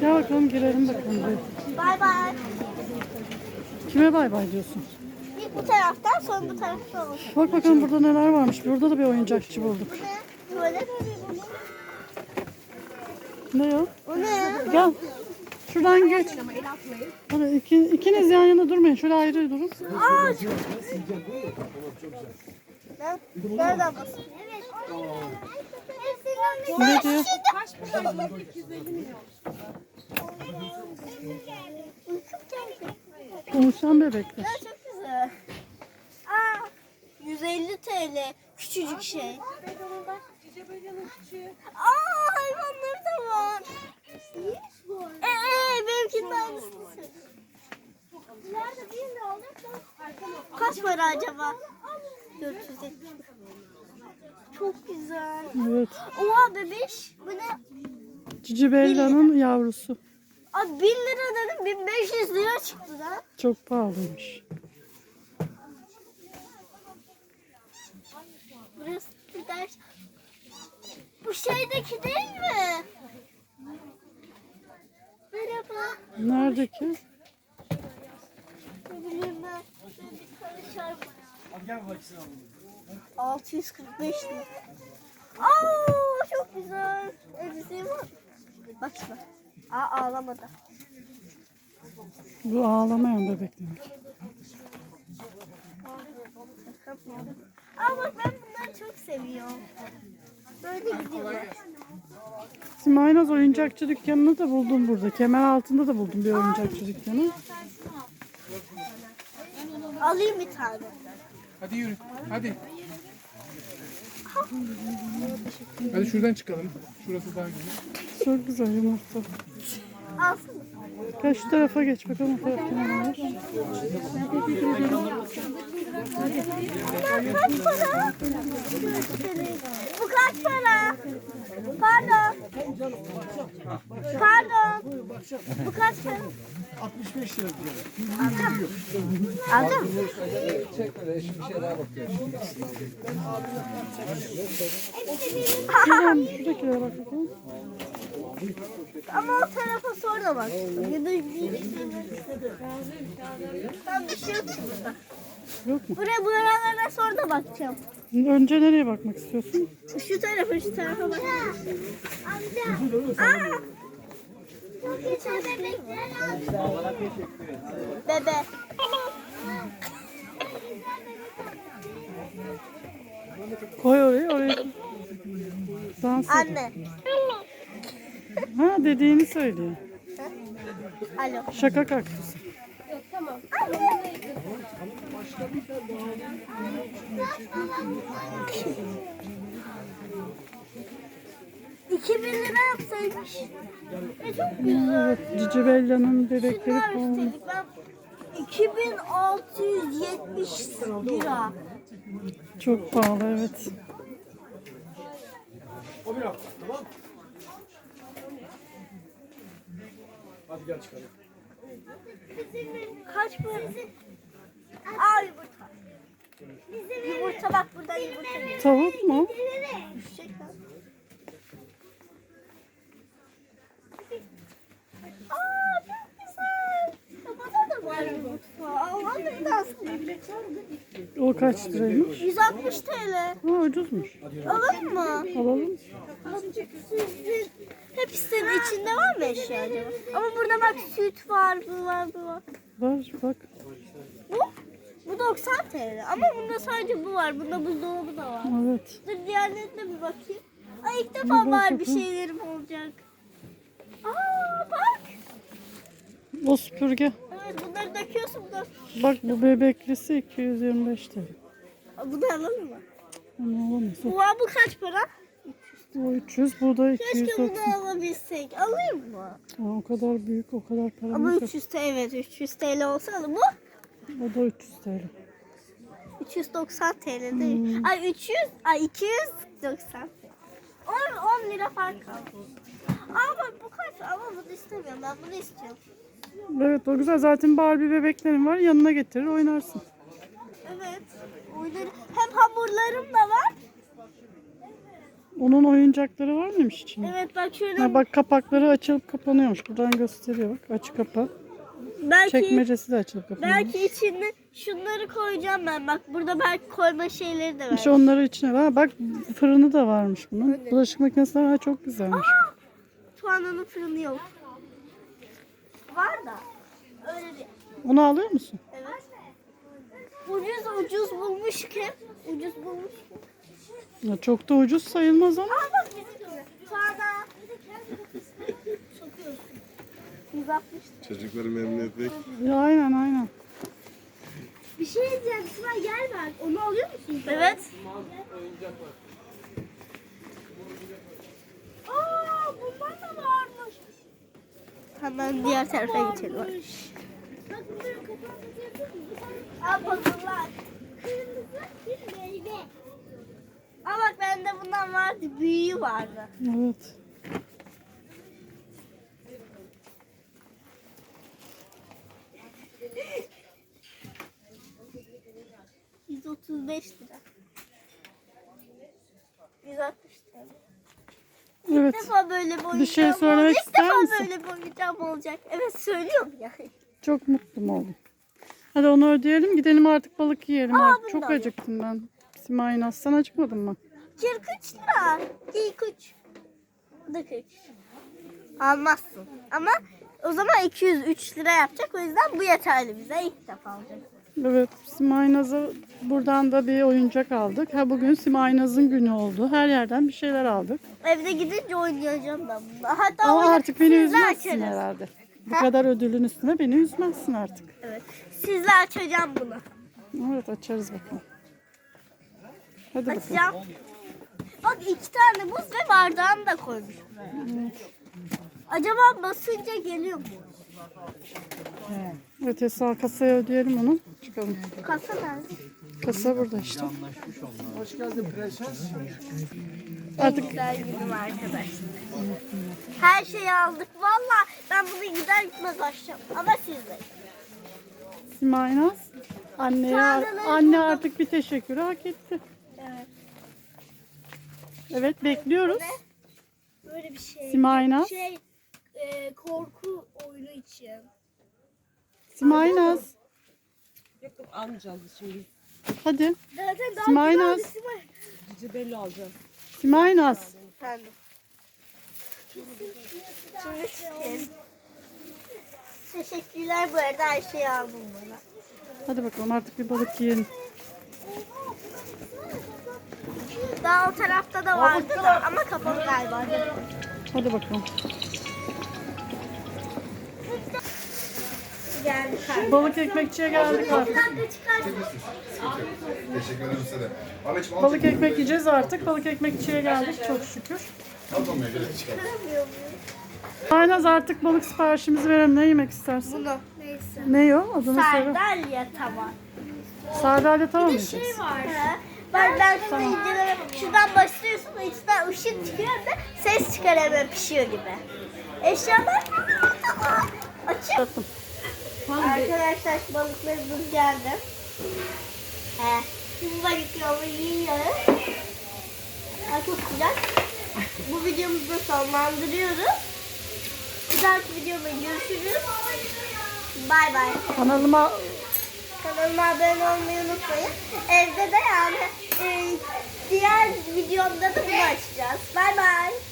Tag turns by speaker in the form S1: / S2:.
S1: Gel bakalım girelim bakalım.
S2: Bay bay.
S1: Kime bay bay diyorsun?
S2: İlk bu taraftan sonra bu taraftan olsun.
S1: Bak bakalım burada neler varmış. Burada da bir oyuncakçı bulduk.
S2: Bu ne? Tuvalet.
S1: Ne o?
S2: Bu ne?
S1: Gel. Şuradan geç. Hadi ikiniz yan yana durmayın. Şöyle ayrı durun.
S2: Aa, çok... Nereden basın? Evet.
S1: Ne diyor? Konuşan bebekler.
S2: Ya çok güzel. Aa, 150 TL. Küçücük şey. Aa, hayvanları da var. Benimkinin aynısını söyle. Kaç para acaba? 470. Çok güzel.
S1: Evet.
S2: Oha bebeş. Bu ne?
S1: Cici Bella'nın yavrusu.
S2: Abi 1000 lira dedim, 1500 lira çıktı da.
S1: Çok pahalıymış.
S2: Burası bir ders. Bu şeydeki değil mi? Merhaba.
S1: Nerede ki?
S2: Ne bileyim ben. Bir tane şarkı. 645 lira. Aa, çok güzel. Elbisem var. Bak şuna. Aa, ağlamadı.
S1: Bu ağlamayan bebek demek.
S2: Aa bak, ben bunları çok seviyorum. Böyle gidiyorlar.
S1: Simaynaz oyuncakçı dükkanını da buldum burada. Kemer altında da buldum bir oyuncakçı dükkanı.
S2: Alayım bir tane.
S3: Hadi yürü. Hadi. Hadi şuradan çıkalım. Şurası daha güzel.
S1: Çok güzel yumurta.
S2: Alsın.
S1: Gel şu tarafa geç bakalım o tarafta ne var.
S2: Bunlar kaç para? Bu kaç para? Pardon. Pardon. Bu kaç para?
S3: 65 lira diyor.
S2: Aldın mı?
S1: Şuradan şuradakilere bak bakalım.
S2: Ama o tarafa sonra bak. Ya da ben bir şey yok burada.
S1: Yok mu?
S2: Buralara sonra da bakacağım.
S1: Önce nereye bakmak istiyorsun?
S2: Şu tarafa bak. Amca. Aa! Çok güzel bebekler aldım. Bebe.
S1: Koy oraya. Dans et.
S2: Anne.
S1: Ha dediğini söylüyor.
S2: Alo.
S1: Şaka kaktüsü.
S2: Tamam. 2000 lira yapsaymış. Çok güzel.
S1: Cici Bella'nın bebekleri
S2: Şunlar
S1: falan.
S2: üstelik ben 2670 lira.
S1: Çok pahalı evet.
S3: O bir hafta. Tamam. Hadi gel çıkalım.
S2: Kaç para? Aa, yumurta. Yumurta bak, burada yumurta.
S1: Tavuk mu?
S2: Aa, çok güzel. Burada da var yumurta. Allah'ım da aslında.
S1: O kaç liraymış?
S2: 160 TL.
S1: Ha ucuzmuş.
S2: Alalım mı?
S1: Alalım.
S2: Sizin hepsinin içinde var mı eşya acaba? Ama burada bak süt var, bu var, bu var.
S1: Var bak.
S2: Bu 90 TL ama bunda sadece bu var. Bunda buzdolabı da var.
S1: Evet.
S2: Dur diğerlerine bir bakayım. Ay, ilk defa var bir şeylerim olacak. Aa bak.
S1: O süpürge.
S2: Evet, bunları döküyorsun da.
S1: Bak bu bebeklisi 225 TL.
S2: Bunu alalım mı?
S1: Onu alamaz.
S2: Bu kaç para?
S1: O 300, bu da
S2: Keşke
S1: 290.
S2: bunu alabilsek. Alayım mı?
S1: Aa, o kadar büyük, o kadar
S2: Ama
S1: paramız yok.
S2: 300 TL, evet 300 TL olsa da bu
S1: O da 300 TL.
S2: 390 TL değil. Ay 290. 10 lira fark kaldı. Aa bak, bu kaç? Ama bunu istemiyorum. Ben bunu istiyorum.
S1: Evet o güzel. Zaten Barbie bebeklerin var. Yanına getirir oynarsın.
S2: Evet. Oyları. Hem hamurlarım da var.
S1: Onun oyuncakları var mıymış içinde?
S2: Evet bak şöyle.
S1: Ha, bak kapakları açılıp kapanıyormuş. Buradan gösteriyor bak. Açı kapa.
S2: Belki
S1: Çekmecesi de açılıp kapanıyor.
S2: belki içine şunları koyacağım ben. Bak burada belki koyma şeyleri de var.
S1: İşte onları içine var. Bak fırını da varmış bunun. Bulaşık makinesi de var. Çok güzelmiş.
S2: Tuana'nın fırını yok. Var da. Öyle bir.
S1: Onu alıyor musun?
S2: Evet. Ucuz bulmuş ki. Ucuz bulmuş ki.
S1: Ya çok da ucuz sayılmaz ama.
S2: Aa bak bizimki. Tuana. Sokuyorsun. 160.
S4: Çocukları memnun etmek.
S1: Ya, aynen.
S2: Bir şey diyeceğim. Sıra yer var. Onu alıyor musun? Evet. Aa bundan da varmış. Hemen diğer tarafa geçelim. Bak bunları kapatınca yapıyor musun? Aa puzzle'lar. Kırmızı bir meyve. Aa bak bende bundan vardı. Büyüğü vardı.
S1: Evet.
S2: $135. 160 TL.
S1: Evet.
S2: İlk defa böyle bir
S1: Bir şey
S2: oyuncağım
S1: söylemek
S2: olacak.
S1: ister
S2: İlk defa
S1: misin?
S2: böyle bir oyuncağım olacak. Evet söylüyorum ya.
S1: Çok mutluyum oğlum. Hadi onu ödeyelim. Gidelim artık balık yiyelim.
S2: Aa,
S1: Artık
S2: bunu
S1: çok
S2: da alayım.
S1: acıktım ben. Simay Naz sen acıkmadın mı?
S2: 43 lira. İlk 3. Bu da 43. Almazsın. Ama o zaman 203 lira yapacak. O yüzden bu yeterli bize. İlk defa alacak.
S1: Evet. Simay Naz'a buradan da bir oyuncak aldık. Ha bugün Simay Naz'ın günü oldu. Her yerden bir şeyler aldık.
S2: Evde gidince oynayacağım ben bunu. Hatta
S1: Ama artık beni
S2: sizle
S1: üzmezsin
S2: açarız.
S1: herhalde. Bu kadar ödülün üstüne beni üzmezsin artık.
S2: Evet. Sizle açacağım bunu.
S1: Evet açarız bakalım. Hadi bakalım.
S2: Açacağım. Bak 2 tane buz ve bardağını da koymuş buraya. Acaba basınca geliyor mu?
S1: Evet Esra kasaya ödeyelim onu. Çıkalım.
S2: Kasa nerede?
S1: Kasa burada işte.
S3: Hoş geldin prenses.
S1: Artık
S2: Güzel günüm arkadaşlar. Her şeyi aldık. Valla ben bunu gider gitmez açacağım. Ama sizle.
S1: Simay Naz anneye,
S2: Tanrıları
S1: anne
S2: buldum.
S1: artık bir teşekkürü hak etti.
S2: Evet.
S1: Evet bekliyoruz.
S2: Böyle bir şey.
S1: Simay Naz.
S2: Korku oyunu için.
S1: Simay Naz.
S5: Yok almayacağız şimdi.
S1: Hadi.
S2: Zaten daha
S1: Simay
S2: güzel
S1: Naz.
S2: bir şey var.
S5: Cici belli alacağız.
S1: Simay Naz.
S2: Efendim. Şimdi çıkayım. Teşekkürler bu arada her şeyi aldım bana.
S1: Hadi bakalım artık bir balık yiyelim.
S2: Daha o tarafta da vardı da ama kapalı galiba.
S1: Hadi bakalım.
S2: Geldi kardeşim.
S1: Balık ekmekçiye geldik artık.
S2: Bir dakika çıkarsın.
S4: Teşekkür ederim size de. Ahmetciğim al.
S1: Balık ekmek yiyeceğiz artık. Balık ekmekçiye geldik çok şükür.
S4: Al olmaya gerek çıkar.
S2: Çıkaramıyor muyum?
S1: Aynaz artık balık siparişimizi verelim. Ne yemek istersin?
S2: Bunu. Neyse.
S1: Ne o? Adını söyle.
S2: Sardalya tava.
S1: Sardalya tamam mı yiyeceksin?
S2: Var. Bak ben sana inceleme. Şuradan başlıyorsun ve içinden ışık çıkıyor da ses çıkar hemen pişiyor gibi. Eşyalar açık.
S1: Tatlım.
S2: Arkadaşlar şu balıklarımız geldi. Şimdi balıklarımı yiyoruz. Çok güzel. Bu videomuzu da sonlandırıyoruz. Güzel bir videoda görüşürüz. Bay bay.
S1: Kanalıma
S2: Kanalıma abone olmayı unutmayın. Evde de yani diğer videomda da bunu açacağız. Bay bay.